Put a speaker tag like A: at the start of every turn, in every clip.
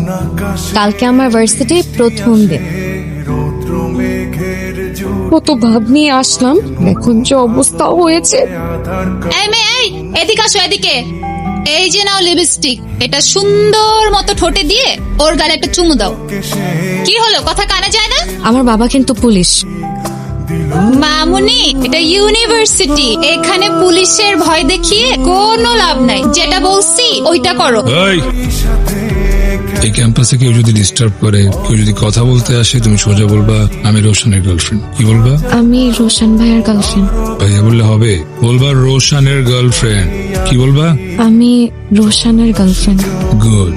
A: কালকে আমার ভার্সিটির প্রথম দিন। কত ভাব নিয়ে আসলাম, এখন যে অবস্থা হয়েছে।
B: এই মেয়ে, এই এদিকে আসো, এদিকে। এই যে নাও লিপস্টিক, এটা সুন্দর মতো ঠোঁটে দিয়ে ওর গালে একটা চুমু দাও। কি হলো, কথা কানে যায় না?
A: আমার বাবা কিন্তু পুলিশ।
B: মামুনি, এটা ইউনিভার্সিটি, এখানে পুলিশের ভয় দেখিয়ে কোনো লাভ নাই। যেটা বলছি ওইটা করো।
C: এই ক্যাম্পাসে কেউ যদি ডিস্টার্ব করে, কেউ যদি কথা বলতে আসে, তুমি সোজা বলবা আমি রোশনের গার্লফ্রেন্ড। কি বলবা?
A: আমি রোশন ভাইয়ের গার্লফ্রেন্ড।
C: ভাইয়া বললে হবে? বলবা রোশনের গার্লফ্রেন্ড। কি বলবা?
A: আমি রোশনের গার্লফ্রেন্ড।
C: গুড।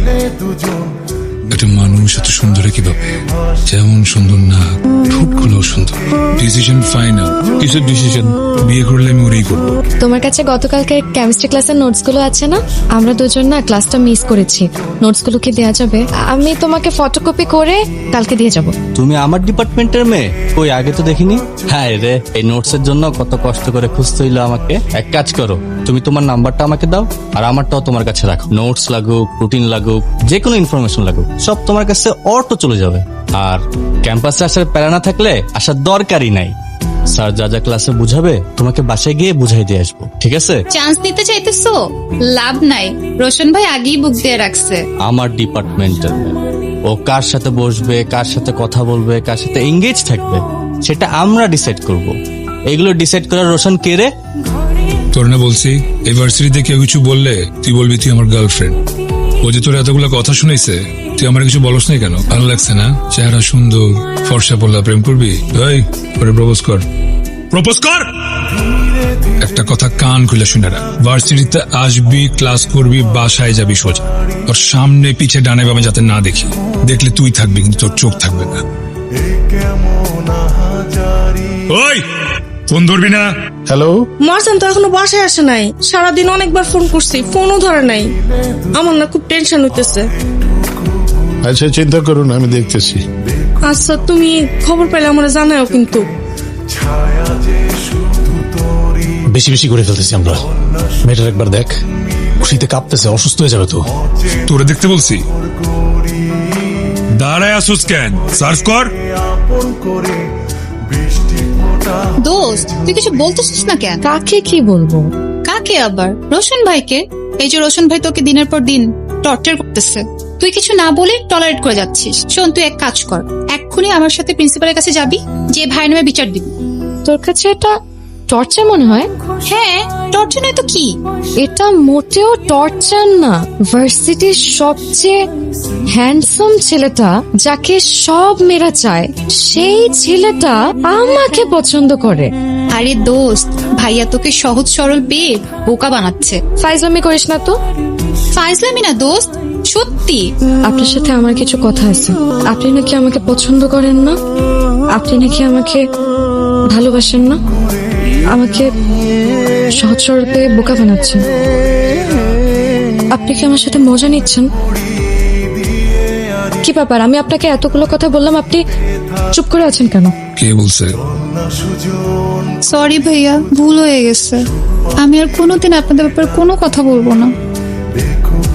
C: একটা মানুষ এত সুন্দর কিভাবে? যেমন সুন্দর না, ঠোঁটগুলো সুন্দর। Decision final. কিসের ডিসিশন? বিয়ে করলে আমি ওরই করবো।
A: তোমার কাছে গতকালকে কেমিস্ট্রি ক্লাসের নোটস গুলো আছে না? আমরা দুজন না ক্লাসটা মিস করেছি। নোটস গুলো কি দেওয়া যাবে? আমি তোমাকে ফটোকপি করে কালকে দিয়ে যাব।
D: তুমি আমার ডিপার্টমেন্টের মেয়ে? কই, আগে তো দেখিনি। হ্যাঁ রে, এই নোটস এর জন্য কত কষ্ট করে খুঁজতে হইলো আমাকে। এক কাজ করো, তুমি তোমার নাম্বারটা আমাকে দাও, আর আমারটাও তোমার কাছে রাখো। নোটস লাগুক, রুটিন লাগুক, যে কোনো ইনফরমেশন লাগুক, সব তোমার কাছে অটো চলে যাবে। আর ক্যাম্পাসে আসার প্যারা না থাকলে আসার দরকারই নাই। স্যার যা যা ক্লাসে বুঝাবে তোমাকে বাসায় গিয়ে বুঝাই দিয়ে আসবো, ঠিক আছে?
B: চান্স নিতে চাইতেছো? লাভ নাই, রোশন ভাই আগেই বুক দিয়ে রাখছে।
D: আমার ডিপার্টমেন্টের ও কার সাথে বসবে, কার সাথে কথা বলবে, কার সাথে এঙ্গেজ থাকবে, সেটা আমরা ডিসাইড করব। এগুলো ডিসাইড করার রোশন কে রে?
C: তোর না বলছি, এই ভার্সিটিতে কেউ কিছু বললে তুই বলবি তুই আমার গার্লফ্রেন্ড। ও যে তোর এতগুলো কথা শুনেছে, তুই আমার কিছু বলস নাই কেন? ভালো লাগছে না? চেহারা সুন্দর, ফর্সা পড়লা, প্রেম করবি? এই পরে প্রপোজ কর, প্রপোজ কর। একটা কথা কান খুলে শুনে রাখ, ভার্সিটিতে আসবি, ক্লাস করবি, বাসায় যাবি সোজা। তোর সামনে পিছে ডানে বামে যাতে না দেখি। দেখলে তুই থাকবি কিন্তু তোর চোখ থাকবে না। ওই ফোন ধরবি না।
E: হ্যালো,
F: মারজান তো এখনো বাসায় আসে নাই। সারাদিন অনেকবার ফোন করছি, ফোনও ধরে নাই। আমার না খুব টেনশন হইতেছে।
E: আচ্ছা চিন্তা করুন, আমি দেখতেছি।
F: আচ্ছা, তুমি খবর পেলে আমরা জানাও কিন্তু।
G: বেশি বেশি করে ফেলতেছি আমরা। মেয়েটার একবার দেখ, খুশিতে কাঁপতেছে, অসুস্থ হয়ে যাবে তো।
C: তোরে দেখতে বলছি, দাঁড়ায় আসুস কেন? সার্চ কর।
B: দোস্ত, তুই কিছু বলতেছিস না কেন?
A: কাকে কি বলবো?
B: কাকে আবার? রোশন ভাইকে। এই যে রোশন ভাই তোকে দিনের পর দিন টর্চার করতেছে, তুই কিছু না বলে টলারেট করে যাচ্ছিস। শোন, তুই এক কাজ কর, এক্ষুনি আমার সাথে প্রিন্সিপালের কাছে যাবি, যে ভাই নামে বিচার দিবি।
A: তোর কাছে এটা টর্চার মনে হয়?
B: হ্যাঁ, টর্চার নয় তো কি?
A: এটা মোটেও টর্চার না। ভার্সিটির সবচেয়ে হ্যান্ডসাম ছেলেটা, যাকে সব মেয়েরা চায়, সেই ছেলেটা আমাকে পছন্দ করে।
B: আরে দোস্ত, ভাইয়া তোকে সহজ সরল পেয়ে বোকা বানাচ্ছে।
A: ফাইজলামি করিস না তো।
B: ফাইজলামি না দোস্ত, সত্যি।
A: আপনার সাথে আমার কিছু কথা আছে। আপনি নাকি আমাকে পছন্দ করেন না, আপনি নাকি আমাকে ভালোবাসেন না, আমাকে সহজ সরল পেয়ে বোকা বানাচ্ছেন। আপনি কি আমার সাথে মজা নিচ্ছেন? কি ব্যাপার, আমি আপনাকে এতগুলো কথা বললাম, আপনি চুপ করে আছেন কেন?
C: কে বলছে?
B: সরি ভাইয়া, ভুল হয়ে গেছে। আমি আর কোনোদিন আপনাদের ব্যাপারে কোনো কথা বলবো না।